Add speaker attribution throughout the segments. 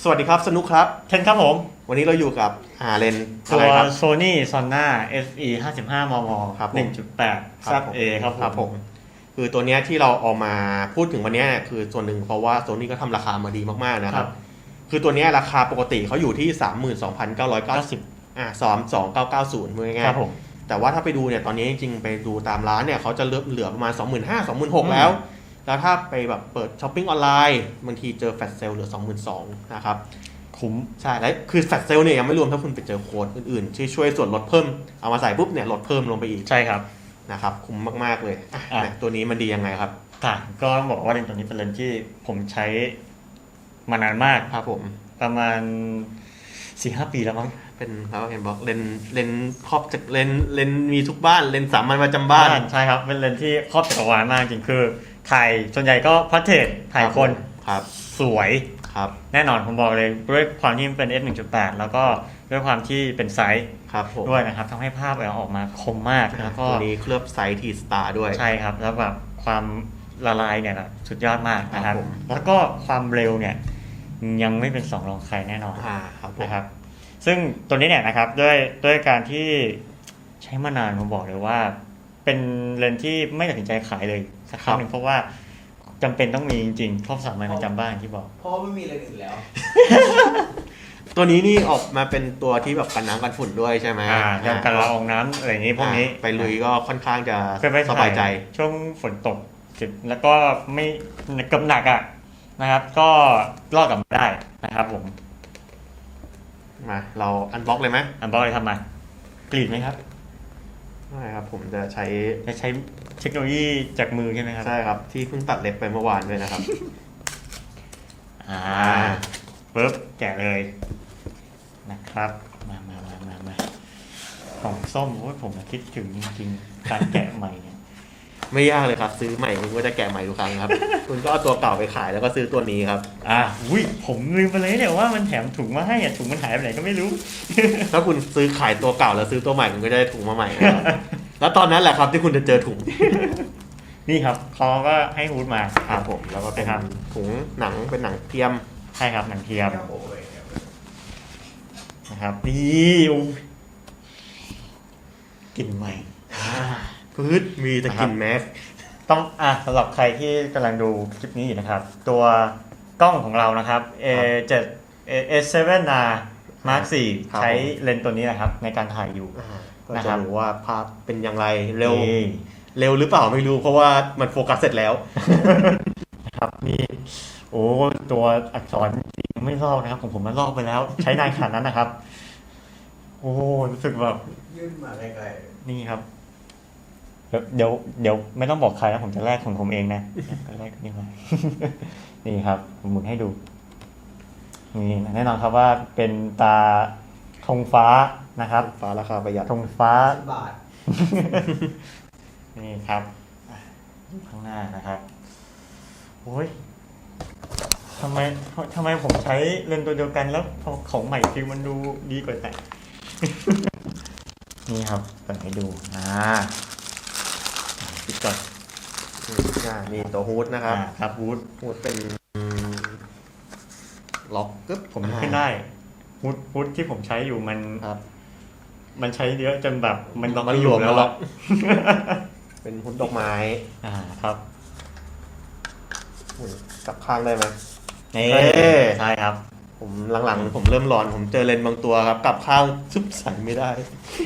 Speaker 1: สวัสดีครับสนุกครับ
Speaker 2: เคนครับผม
Speaker 1: วันนี้เราอยู่กับเลน
Speaker 2: ตัว Sony Sonna SE 55 มม 1.8 ZA
Speaker 1: ครับผมคือตัวเนี้ยที่เราเอามาพูดถึงวันนี้คือส่วนหนึ่งเพราะว่า Sony ก็ทำราคามาดีมากๆนะครับคือตัวเนี้ยราคาปกติเขาอยู่ที่ 32,990 2,290ง่ายๆแต่ว่าถ้าไปดูเนี่ยตอนนี้จริงๆไปดูตามร้านเนี่ยเขาจะเหลือประมาณ 25,000 26,000 แล้วถ้าไปแบบเปิดช้อปปิ้งออนไลน์บางทีเจอแฟลชเซลเหลือ 22,000 นะครับคุ้มใช่แล้วคือแฟลชเซลเนี่ยยังไม่รวมถ้าคุณไปเจอโค้ดอื่นๆที่ช่วยส่วนลดเพิ่มเอามาใส่ปุ๊บเนี่ยลดเพิ่มลงไปอีก
Speaker 2: ใช่ครับ
Speaker 1: นะครับคุ้มมากๆเลยตัวนี้มันดียังไงครับ
Speaker 2: ก็บอกว่าเลนส์ตัวนี้เป็นเลนส์ที่ผมใช้มานานมาก
Speaker 1: ครับผม
Speaker 2: ประมาณ 4-5 ปีแล้วมั้ง
Speaker 1: เป็นเขาเห็นบอกเลนครอบจากเลนมีทุกบ้านเลนสามัญประจำบ้าน
Speaker 2: ใช่ครับเป็นเลนที่ครอบจักรวาลมากจริงคือถ่ายส่วนใหญ่ก็พอร์เทรตถ่ายคนสวยแน่นอนผมบอกเลยด้วยความที่มันเป็น f1.8 แล้วก็ด้วยความที่เป็นไซส์ด้วยนะครับทำให้ภาพออกมาคมมากแล้วก็
Speaker 1: ตัวนี้เคลือบไซส์ทีสตาร์ด้วย
Speaker 2: ใช่ครับแล้วแบบความละลายเนี่ยสุดยอดมากนะครับแล้วก็ความเร็วเนี่ยยังไม่เป็นสองรองใครแน่นอนนะครับซึ่งตัวนี้เนี่ยนะครับด้วยการที่ใช้มานานผมบอกเลยว่าเป็นเลนส์ที่ไม่ตัดสินใจขายเลยสักครั้งหนึ่งเพราะว่าจำเป็นต้องมีจริงๆครอบสามใบประจำบ้านที่บอก
Speaker 3: เพราะไม่มีอะไรอื่นแล้ว
Speaker 1: ตัวนี้นี่ออกมาเป็นตัวที่แบบกันน้ำกันฝุ่นด้วยใช่ไหม
Speaker 2: กันละอองน้ำอะไรอย่างนี้พวกนี้
Speaker 1: ไปลุยก็ค่อนข้างจะสบายใจ
Speaker 2: ช่วงฝนตกแล้วก็ไม่กำหนักนะครับก็รอดกลับมาได้นะครับผม
Speaker 1: มาเราอันบล็อกเลยไหม
Speaker 2: อันบล็อกเลยทำมากรีดไหมครับ
Speaker 1: ไม่ครับผมจะใช้
Speaker 2: เทคโนโลยีจากมือใช่ไหมครับ
Speaker 1: ใช่ครับที่เพิ่งตัดเล็บไปเมื่อวานด้วยนะครับ
Speaker 2: ปึ๊บแกะเลยนะครับมาของส้มโอ้ยผมคิดถึงจริงๆการแกะใหม่เนี่ย
Speaker 1: ไม่ยากเลยครับซื้อใหม่คุณก็จะแกะใหม่ทุกครั้งครับคุณก็เอาตัวเก่าไปขายแล้วก็ซื้อตัวนี้ครับ
Speaker 2: ผมลืมไปเลยเนี่ยว่ามันแถมถุงมาให้ถุงมันหายไปไหนก็ไม่รู้
Speaker 1: ถ้าคุณซื้อขายตัวเก่าแล้วซื้อตัวใหม่คุณก็จะได้ถุงมาใหม่แล้วตอนนั้นแหละครับที่คุณจะเจอถุง
Speaker 2: นี่ครับเขาก็ให้ฮูดมา
Speaker 1: ครับผมแล้วก็เป็นถุงหนังเป็นหนังเทียม
Speaker 2: ใช่ครับหนังเทียมนะครับนี่กลิ่นใหม่
Speaker 1: พืชมีแต่กลิ่นแมส
Speaker 2: ต้องสำหรับใครที่กำลังดูคลิปนี้อยู่นะครับตัวกล้องของเรานะครับ A7S7R Mark 4 ใช้เลนส์ตัวนี้นะครับในการถ่ายอยู่
Speaker 1: ก็จะรู้ว่าภาพเป็นอย่างไรเร็วหรือเปล่าไม่รู้เพราะว่ามันโฟกัสเสร็จแล้ว
Speaker 2: ครับนี่โอ้ตัวอักษรไม่ลอกนะครับของผมมันลอกไปแล้วใช้นานขนาดนั้นนะครับโอ้รู้สึกแบบ
Speaker 3: ยื่นมาไกล
Speaker 2: ๆนี่ครับเดี๋ยวไม่ต้องบอกใครนะผมจะแลกของผมเองนะก็แลกนี่มานี่ครับผมหมุนให้ดูนี่แน่นอนครับว่าเป็นตาธงฟ้านะครับ
Speaker 1: ฟ้าราคาประหยัด
Speaker 2: ธงฟ้า
Speaker 3: บาท
Speaker 2: นี่ครับข้างหน้านะครับโอ้ยทำไมผมใช้เลนส์ตัวเดียวกันแล้วของใหม่ฟิลมันดูดีกว่าแต่นี่ครับเปิดให้ดูปิดก่อน
Speaker 1: มีตัวฮูดนะครับ
Speaker 2: ครับฮูด
Speaker 1: เป็นล็อกกึ๊บ
Speaker 2: ผมขึ้นได้ฮูดที่ผมใช้อยู่มันใช้เยอะจนแบบมันล็อกไม่อยู่แล้ว
Speaker 1: เป็นฮูดดอกไม้
Speaker 2: ครับ
Speaker 1: กลับข้างได้ไหม
Speaker 2: ใช่ครับ
Speaker 1: ผมหลังๆผมเริ่มร้อนผมเจอเลนส์บางตัวครับกลับข้างซุบใส่ไม่ได้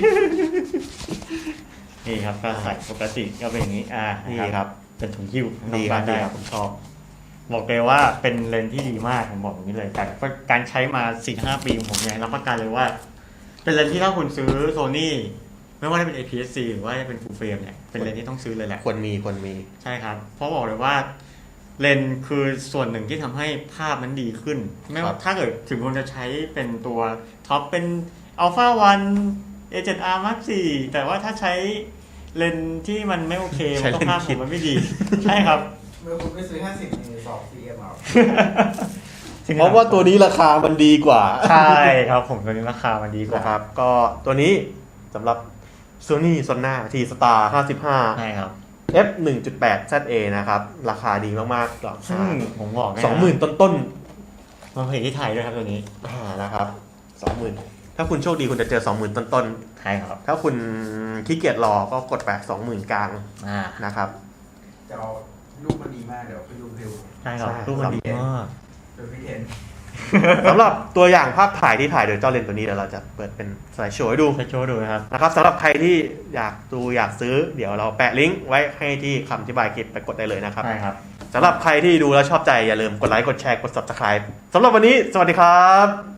Speaker 2: นี่ครับก็ใส่ปกติก็เป็นอย่างนี้
Speaker 1: นี่ครับ
Speaker 2: เป็นถุงหิ้ว
Speaker 1: ดีครับผมชอบ
Speaker 2: บอกเลยว่าเป็นเลนส์ที่ดีมากผมบอกอย่างนี้เลยแต่การใช้มา 4-5 ปีของผมเนี่ยรับประกันเลยว่าเป็นเลนส์ที่ถ้าคุณซื้อ Sony ไม่ว่าจะเป็น APS-C หรือว่าจะเป็น Full Frame เนี่ยเป็นเลนส์ที่ต้องซื้อเลยแหละ
Speaker 1: ควรมี
Speaker 2: ใช่ครับเพราะบอกเลยว่าเลนส์คือส่วนหนึ่งที่ทำให้ภาพมันดีขึ้นไม่ว่าถ้าเกิดถึงคุณจะใช้เป็นตัวท็อปเป็น Alpha 1 A7R Mark 4แต่ว่าถ้าใช้เลนส์ที่มันไม่โอเคมันก็ภาพมันไม่ดีใช่ครับ
Speaker 3: เมื่อคุณไปซื้อ50มี2 CM เอา
Speaker 1: เพราะว่าตัวนี้ราคามันดีกว่า
Speaker 2: ใช่ครับผมตัวนี้ราคามันดีกว่า
Speaker 1: ครับก็ตัวนี้สำหรับ Sony Sonna T-Star 55
Speaker 2: ใช่ครับ
Speaker 1: f1.8 ZA นะครับราคาดีมากๆ
Speaker 2: ซึ่งผมบอก
Speaker 1: 20,000 ต้น
Speaker 2: มาผลิตที่ไทยด้วยครับตัวนี้
Speaker 1: นะครับ 20,000ถ้าคุณโชคดีคุณจะเจอ 20,000 ต้น
Speaker 2: ๆใช่ครับ
Speaker 1: ถ้าคุณขี้เกียจรอก็กดไป 20,000 กลางนะครับ
Speaker 3: จะเอารูปมันดีมากเดี๋ยวไปดูวิว
Speaker 2: ใช่ครับรูปมันดีมาก
Speaker 3: โดยพี่เทน
Speaker 1: สำหรับตัวอย่างภาพถ่ายที่ถ่ายโดยเจ้าเลนส์ตัวนี้เดี๋ยวเราจะเปิดเป็นสไลด์โชว์ให้ดูนะครับสำหรับใครที่อยากดูอยากซื้อเดี๋ยวเราแปะลิงก์ไว้ให้ที่คำอธิบายคลิปไปกดได้เลยนะครับ
Speaker 2: ใช่ครับ
Speaker 1: สำหรับใครที่ดูแล้วชอบใจอย่าลืมกดไลค์กดแชร์กด Subscribe สำหรับวันนี้สวัสดีครับ